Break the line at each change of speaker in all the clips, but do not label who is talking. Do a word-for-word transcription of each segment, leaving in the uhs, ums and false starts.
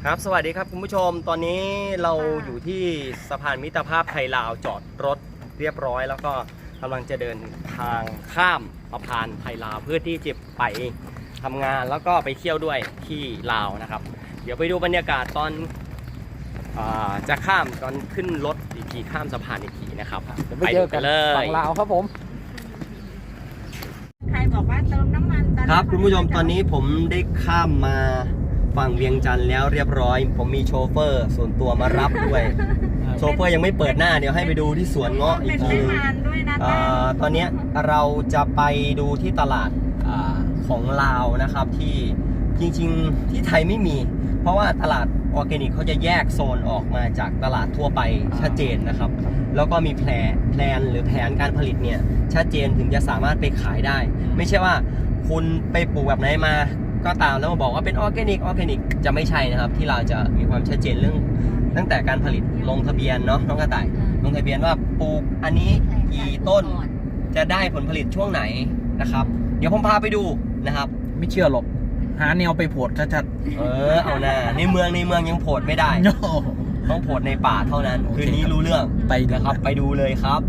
ครับสวัสดีครับคุณผู้ชมตอนนี้เราอยู่ที่สะพานมิตรภาพไทยลาวจอดรถเรียบร้อยแล้วก็กำลังจะเดินทางข้ามสะพานไทยลาวเพื่อที่จะไปทำงานแล้วก็ไปเที่ยวด้วยที่ลาวนะครับเดี๋ยวไปดูบรรยากาศตอนจะข้ามตอนขึ้นรถอีกทีข้ามสะพานอีกทีนะครับเดี๋ยวไปเจอกันเลย
ฝั่งลาวครับผม
ใครบอกว่าเติมน้ำมัน
ครับคุณผู้ชมตอนนี้ผมได้ข้ามมาฝั่งเวียงจันทร์แล้วเรียบร้อยผมมีโชเฟอร์ส่วนตัวมารับด้วยโชเฟอร์ยังไม่เปิดหน้าเดี๋ยวให้ไปดูที่สวนเงาะอีกทีตอนนี้เราจะไปดูที่ตลาดของลาวนะครับที่จริงๆที่ไทยไม่มีเพราะว่าตลาดออร์แกนิกเขาจะแยกโซนออกมาจากตลาดทั่วไปชัดเจนนะครับแล้วก็มีแผนแพลนหรือแผนการผลิตเนี่ยชัดเจนถึงจะสามารถไปขายได้ไม่ใช่ว่าคุณไปปลูกแบบไหนมาก็ตามแล้วมาบอกว่าเป็นออร์แกนิกออร์แกนิกจะไม่ใช่นะครับที่เราจะมีความชัดเจนเรื่องตั้งแต่การผลิตลงทะเบียนเนาะน้องกระต่ายลงทะเบียนว่าปลูกอันนี้กี่ต้นจะได้ผลผลิตช่วงไหนนะครับเดี๋ยวผมพาไปดูนะครับ
ไม่เชื่อหรอกหาแนวไปโผดชัด
ๆเออเอาหน้าในเมืองในเมืองยังโผดไม่ได้ต้องโผดในป่าเท่านั้นคืนนี้รู้เรื่อง
ไป
นะครับไปดูเลยครับ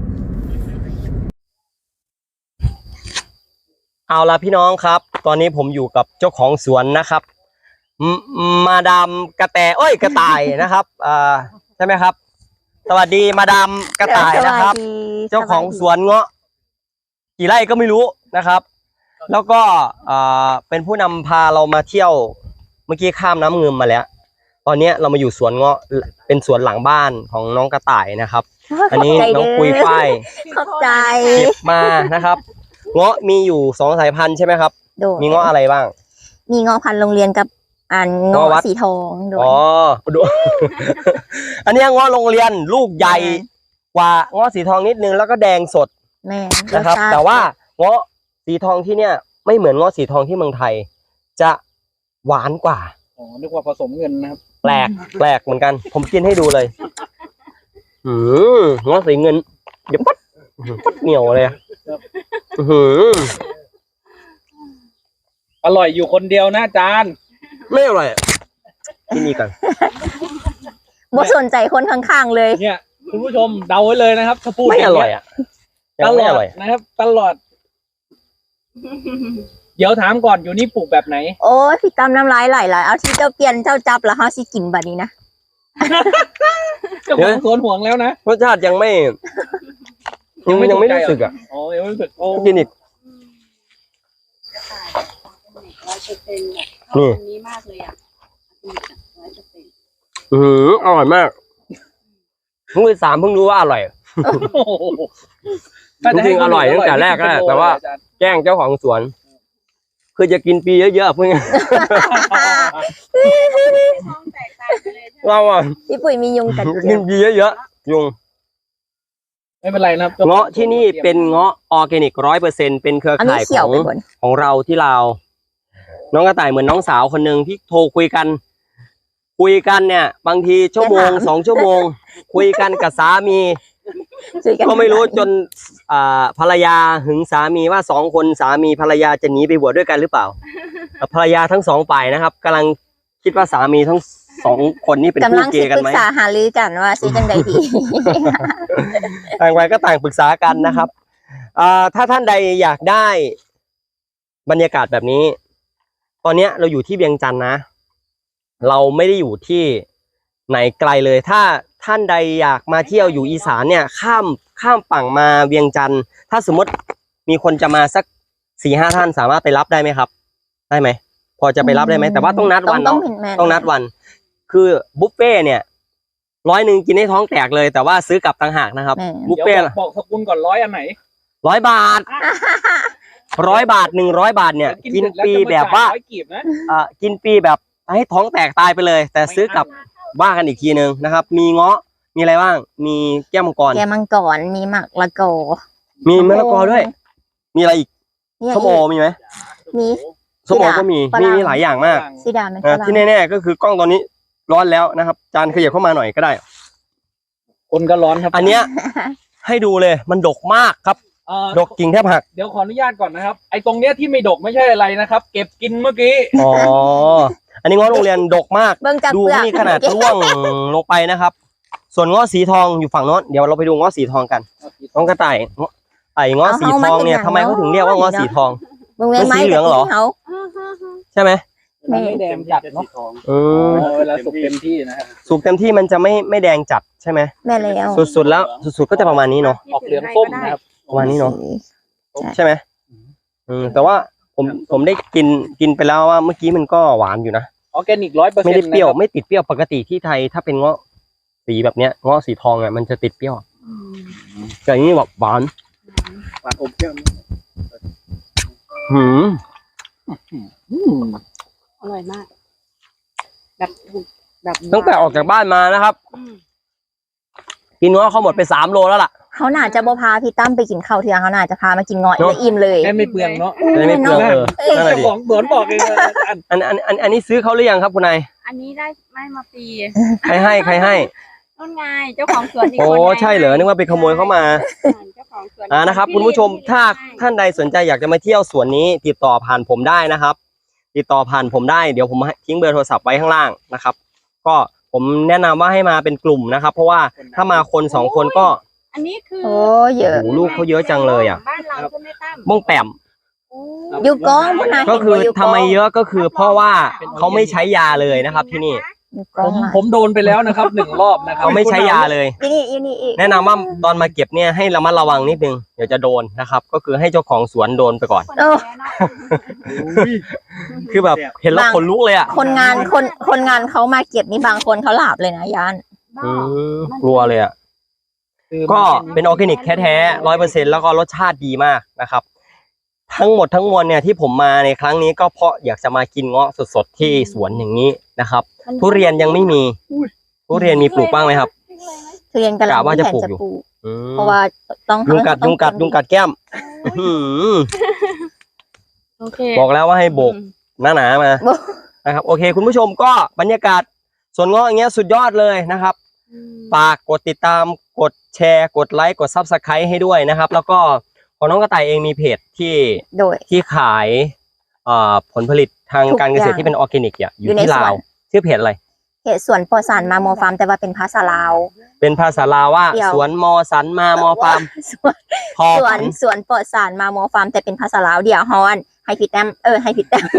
เอาละพี่น้องครับตอนนี้ผมอยู่กับเจ้าของสวนนะครับมาดามกระแตเอ้ยกระต่ายนะครับอ่าใช่ไหมครับสวัสดีมาดามกระต่ายนะครับเจ้าของสวนเงาะกี่ไร่ก็ไม่รู้นะครับแล้วก็อ่าเป็นผู้นำพาเรามาเที่ยวเมื่อกี้ข้ามน้ำเงิมมาแล้วตอนนี้เรามาอยู่สวนเงาะเป็นสวนหลังบ้านของน้องกระต่ายนะครับอันนี้น้องปุยฝ้าย
ขอบใจ
เก็บมานะครับเงาะมีอยู่สองสายพันธุ์ใช่ไหมครับมีเงาะอะไรบ้าง
มีเงาะพันธุ์โรงเรียนกับอันเงาะสีทอง
อ๋อดูอันนี้เงาะโรงเรียนลูกใหญ่กว่าเงาะสีทองนิดนึงแล้วก็แดงสด
แม่
นะครับแต่ว่าเงาะสีทองที่เนี่ยไม่เหมือนเงาะสีทองที่เมืองไทยจะหวานกว่า
อ๋อนึกว่าผสมเงินนะครับ
แปลกแปลกเหมือนกันผมกินให้ดูเลยอืมเงาะสีเงินเดี๋ยวปั๊ดปั๊ดเหนียวเลยอืม
อร่อยอยู่คนเดียวนะอาจารย์
ไม่อร่อยที่นี่กัน
บ่สนใจคนข้างๆเลย
เนี่ยคุณผู้ชมเดาไว้เลยนะครับถ้าพูด
ไม่อร่อยอ่ะ
ตลอดนะครับตลอดเดี๋ยวถามก่อนอยู่นี่ปลูกแบบไหน
โอ้ยพี่ตำน้ำลายไหลเลยเอาที่เจ้าเปลี่ยนเจ้าจับแล้วเฮาสิกินแบบนี้นะ
เจ้าของสวนห่วงแล้วนะ
รสชาติยังไม่ยังไม่ยังไม่รู้สึกอ่ะ
อ๋อยังไม่รู้สึกโอ้
กินอีกนี่นี้มากเลยอ่ะอืออร่อยมากเพิ่งไปสามเพิ่งรู้ว่าอร่อยจริงๆอร่อยตั้งแต่แรกแล้วแต่ว่าแจ้งเจ้าของสวนคือจะกินปีเยอะๆเพื่อนเราอ่ะ
พี่ปุ๋ยมียุงกัด
กินปีเยอะๆยุง
ไม่เป็นไรนะ
เงาะที่นี่เป็นเงาะออร์แกนิกร้อยเปอร์เซ็นต์เป็นเครือข่ายของของเราที่ลาวน้องกระต่ายเหมือนน้องสาวคนหนึ่งที่โทรคุยกันคุยกันเนี่ยบางทีชั่วโมงสองชั่วโมงคุยกันกับสามีก็ไม่รู้จนภรรยาหึงสามีว่าสองคนสามีภรรยาจะหนีไปบวชด้วยกันหรือเปล่าภรรยาทั้งสองฝ่ายนะครับกำลังคิดว่าสามีทั้งสองคนนี้เป็นคู่เกย์กันไหม
กำลังปรึกษาหารือกันว่าซื้อจังใดดี
ต่างวัยก็ต่างปรึกษากันนะครับถ้าท่านใดอยากได้บรรยากาศแบบนี้ตอนนี้เราอยู่ที่เวียงจันทร์นะเราไม่ได้อยู่ที่ไหนไกลเลยถ้าท่านใดอยากมาเที่ยวอยู่อีสานเนี่ยข้ามข้ามฝั่งมาเวียงจันทร์ถ้าสมมติมีคนจะมาสักสี่ห้าท่านสามารถไปรับได้ไหมครับได้ไหมพอจะไปรับได้ไหมแต่ว่าต้องนัดวันเนาะต้องนัดวันคือบุฟเฟ่เนี่ยร้อยหนึ่งกินให้ท้องแตกเลยแต่ว่าซื้อกลับต่างหากนะครับบุฟเฟ่
บอกสกุลก่อนร้อยอันไหน
ร้อยบาทร้อยบาทหนึ่งร้อยบาทเนี่ยกินปีแบบว่าอ่ากินปีแบบให้ท้องแตกตายไปเลยแต่ซื้อกลับว่ากันอีกทีนึงนะครับมีเงาะมีอะไรบ้างมีแก้วมังกร
แก้วมังกรมีมะละกอ
มีมะละกอด้วยมีอะไรอีกส้มโอมีไหม
มี
ส้มโอก็มีมีมีหลายอย่างมาก
สีดามัน
ที่แน่ๆก็คือกล้องตอนนี้ร้อนแล้วนะครับจานขยับเข้ามาหน่อยก็ได้
คนก็ร้อนครับ
อันเนี้ยให้ดูเลยมันดกมากครับดกกิ่งแทบหัก
เดี๋ยวขออนุญาตก่อนนะครับไอ้ตรงเนี้ยที่ไม่ดกไม่ใช่อะไรนะครับเก็บกินเมื่อกี้
อ๋ออันนี้เงาะโรงเรียนดกมาก
เบิ่งจาก
ดู
เปลือก
นี่ขนาดร่วงลงไปนะครับ ส่วนเงาะสีทองอยู่ฝั่งโน้นเดี๋ยวเราไปดูเงาะสีทองกันน้องกระต่ายเงาะไอ้เงาะสีทองเนี่ยทำไมเขาถึงเรียกว่าเงาะสีทอง
เบิ่งแม่ไม้
มันสีเหลืองเหรอ
เขา
ใช่ไหม
มันไม่แดงจัดเนาะ
อืม
เวลาสุกเต็มที่นะครับ
สุกเต็มที่มันจะไม่ไม่แดงจัดใช่ไหม
แม่แล้ว
สุดๆแล้วสุดๆก็จะประมาณนี้เนาะ
ออกเหลืองส้มนะครับ
ประมาณนี้เนาะใช่ไหมอืมแต่ว่าผมผมได้กินกินไปแล้วว่าเมื่อกี้มันก็หวานอยู่นะ
ออร์แกนิกร้อยเปอร์เซ็น
ไม่
ต์
ได้เปรี้ยวไม่ติดเปรี้ยวปกติที่ไทยถ้าเป็นเงาะสีแบบเนี้ยเงาะสีทองอ่ะมันจะติดเปรี้ยวแต่อันนี้แบบหวาน
หวานอมเปรี้ยว
หืม
อร่อยมาก แบบถูกแบบ
ตั้งแต่ออกจากบ้านมานะครับ
อืม
กินเงาะเขาหมดไปสามโลแล้วล่ะ
เขาน่าจะบ่พาพี่ตั้มไปกินข้าวเทื่อเขาน่าจะพามากินเงาะ
เนอะ
แล้วอิ่มเลย
แค่ไม่เปลืองเนาะ
จะได้ไม่เปลืองเออนั่นแหละ
เจ้า
ดิ
ของสวนบอกเองว่าอัน
อันอันอันอันนี้ซื้อเขาหรือยังครับคุณนาย
อันนี้ได้ไม่มาปี
ใครให้ใครให้
ต้นไงเจ้าของสวนอีก
โอ้
คนไง
ใช่เหรอนึกว่าไปขโมยเข้ามา
เจ้าของสวน
อ่านะครับคุณผู้ชมถ้าท่านใดสนใจอยากจะมาเที่ยวสวนนี้ ติดต่อผ่านผมได้นะครับ ติดต่อผ่านผมได้เดี๋ยวผมทิ้งเบอร์โทรศัพท์ไว้ข้างล่างนะครับ ก็ผมแนะนำว่าให้มาเป็นกลุ่มนะครับ เพราะว่าถ้ามาคนสองคนก็
อันนี้คือ
โอ้เยอะ
โอ้โหลูกเขาเยอะจังเลยอ่ะ
บ้านเราใช่ไหมตั้ม
บ้องแปม
โอ้
อยู่กองพุ่นน่ะ
ก็คือ
เห็นบ่ยู่
ทำไมเยอะก็คือเพราะว่าเขาไม่ใช้ยาเลยนะครับ ที่นี่
อยู่ก
ผ
อง
ม
หลาย
ผมโดนไปแล้วนะครับหนึ่งรอบนะครับ
เขาไม่ใช้ยาเลย
อีนี่อีนี่อีก
แนะนำว่าตอนมาเก็บเนี่ยให้ระมัดระวังนิดนึงเดี๋ยวจะโดนนะครับ ก็คือให้เจ้าของสวนโดนไปก่อน
คนแก่เนาะ
คือแบบเห็นแล้วขนลุกเลยอ่ะ
คนงานคนคนงานเขามาเก็บนี่บางคนเขาหลับเลยนะยาน
อืมกลัวเลยอ่ะ
คือ
ก็เป็นออร์แกนิกแท้ๆร้อยเปอร์เซ็นต์แล้วก็รสชาติดีมากนะครับ ทั้งหมดทั้งมวลเนี่ยที่ผมมาในครั้งนี้ก็เพราะอยากจะมากินเงาะสดๆที่สวนอย่างนี้นะครับ ทุเรียนยังไม่มีทุเรียนมีปลูกบ้างไหมครับ
ทุเรียนกำลัง
กะว่าจะ
แผน
ปลูก
จะ
อยู่
ปลูก
อืม
เพราะว่าต้อง
ยุงกัด
ต้อ
ยุงกัด
เก็บ
ยุงกัดแก้มอื้อหือ
โอเค
บอกแล้วว่าให้โบกหนาๆมานะครับ โอเค คุณผู้ชมก็บรรยากาศสวนเงาะอย่างเงี้ยสุดยอดเลยนะครับ
อืม
ฝากกดติดตามกดแชร์กดไลค์กด ซับสไครบ์ ให้ด้วยนะครับ แล้วก็ของน้องกระต่ายเองมีเพจที่
โดย
ที่ขายเอ่อผลผลิตทาง
ทุก
การเกษตร
อย่าง
ที่เป็นออร์แกนิกอ่ะอ
อยู่
ยู่
ใน
ที่
สวน
ลาวชื่อเพจอะไร
เขตสวนปอสานมาโมฟาร์มแต่ว่าเป็นภาษาลาว
เป็นภาษาลาวว่า
เดี๋ยว
สวนมอสันมามอฟาร์ม
สวน
พอ
สว
ฝั
น
น
สวนปอสานมาโมฟาร์มแต่เป็นภาษาลาวเดี๋ยวฮอนให้พี่แต้มเออให้พี่แต้ม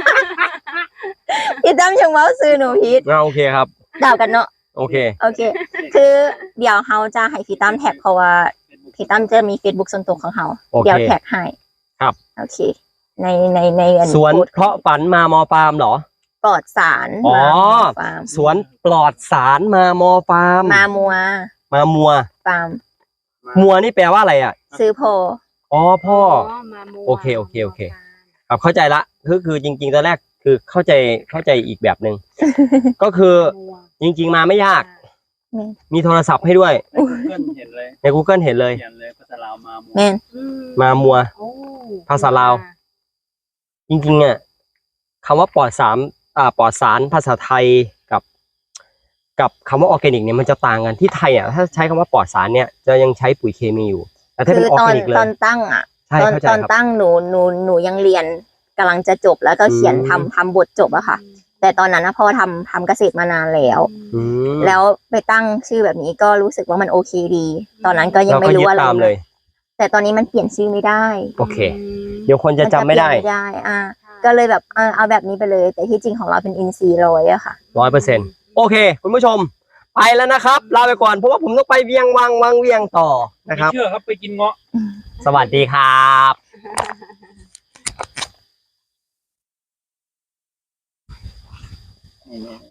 พี่แต้มชงเมาซื้อหนูพีท
อ่าโอเคครับ
เดากันเนาะ
โอเค
โอเค คือเดี๋ยวเฮาจะให้พี่ตั้มแท็กเพราะว่าพี่ตั้มจะมี Facebook ส่วนตัวของเฮา
โอเค
เดี๋ยวแท็กให้
ครับ
โอเค ในในในอั
สวน
โพสต์
เพราะฝันมามอฟาร์มเหรอ
ปลอดสาร
อ๋อ
มาโมฟาร์ม
สวนปลอดสารมามอฟาร์ม
มามัว
มามัว
ฟาร์ม
มัวนี่แปลว่าอะไรอ่ะ
ซื้อโพ
อ๋อพ่อ
มามัว
โอเคโอเคโอเค ครับเข้าใจละคือคือจริงๆตอนแรกคือเข้าใจเข้าใจอีกแบบหนึ่ง ก็คือ
มัว
จริง ๆ มาไม่ยาก
นี่
มีโทรศัพท์ให้ด้วย
เพื่อนเห็นเลย
ใน Google เห็นเลย
เขียนเลยภาษาลาวมาหมด
แม่น
อื
มามัว
โอ้
ภาษาลาว จริงๆอ่ะคำว่าปลอดสารอ่าปลอดสารภาษาไทยกับ กับคำว่าออร์แกนิกเนี่ยมันจะต่างกันที่ไทยอ่ะถ้าใช้คำว่าปลอดสารเนี่ยจะยังใช้ปุ๋ยเคมีอยู่ แต่ถ้า
คื
เป็น
อ
ออร์
ตอ
แก
น
นิกเล
ตอย นตั้งอ่ะ
ใช่
ตอน
เข้าใจ
ตอน
ครับ
ตั้งหนูหนูหนูยังเรียนกำลังจะจบแล้วก็เขียน
อืม
ทำทำบทจบอะค่ะ แต่ตอนนั้นนะพ่อทำทำเกษตรมานานแล้ว
อืม
แล้วไปตั้งชื่อแบบนี้ก็รู้สึกว่ามันโอเคดี ตอนนั้นก็ยัง
เรา
ไม่
ก็
รู้
ยึด
อะไร
ตามเลย
แต่ตอนนี้มันเปลี่ยนชื่อไม่ได้
โอเค เดี๋ยวคนจะจำไม่ได้
นเปลี่ยนไม่ได้ อ่า ก็เลยแบบเอาเอาแบบนี้ไปเลย แต่ที่จริงของเราเป็นอินซีร้อยอะค่ะ
ร้อยเปอร์เซ็นต์โอเค คุณผู้ชม ไปแล้วนะครับลาไปก่อนเพราะว่าผมต้องไปเวียงวังวังเวียงต่อนะ
ไม่
ครับ
เชื่อครับไปกินเงาะ
สวัสดีครับ